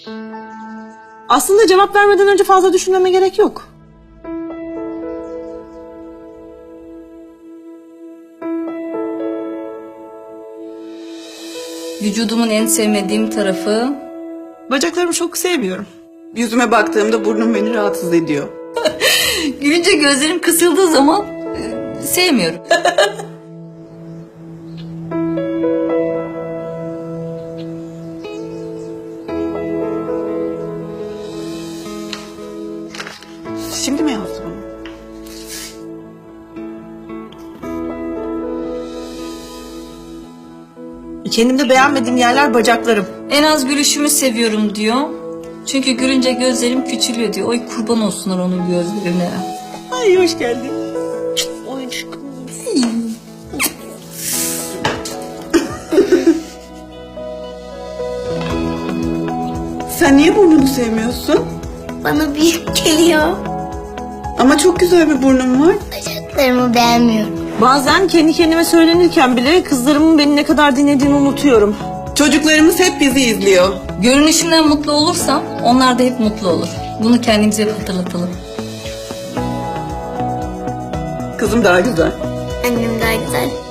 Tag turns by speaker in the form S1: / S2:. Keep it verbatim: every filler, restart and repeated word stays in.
S1: Aslında cevap vermeden önce fazla düşünmeme gerek yok.
S2: Vücudumun en sevmediğim tarafı...
S1: Bacaklarımı çok sevmiyorum. Yüzüme baktığımda burnum beni rahatsız ediyor.
S2: Gülünce gözlerim kısıldığı zaman e, sevmiyorum.
S1: Şimdi mi yazdı bunu? Kendimde beğenmediğim yerler bacaklarım.
S2: En az gülüşümü seviyorum diyor. Çünkü gülünce gözlerim küçülüyor diyor. Oy kurban olsunlar onun gözlerine.
S1: Ay hoş geldin. Oy aşkım. Sen niye burnunu sevmiyorsun?
S3: Bana büyük geliyor.
S1: Ama çok güzel bir burnum var.
S3: Bacaklarımı beğenmiyorum.
S1: Bazen kendi kendime söylenirken bile kızlarımın beni ne kadar dinlediğini unutuyorum. Çocuklarımız hep bizi izliyor.
S2: Görünüşümden mutlu olursam onlar da hep mutlu olur. Bunu kendimize hep hatırlatalım.
S1: Kızım daha güzel.
S3: Annem daha güzel.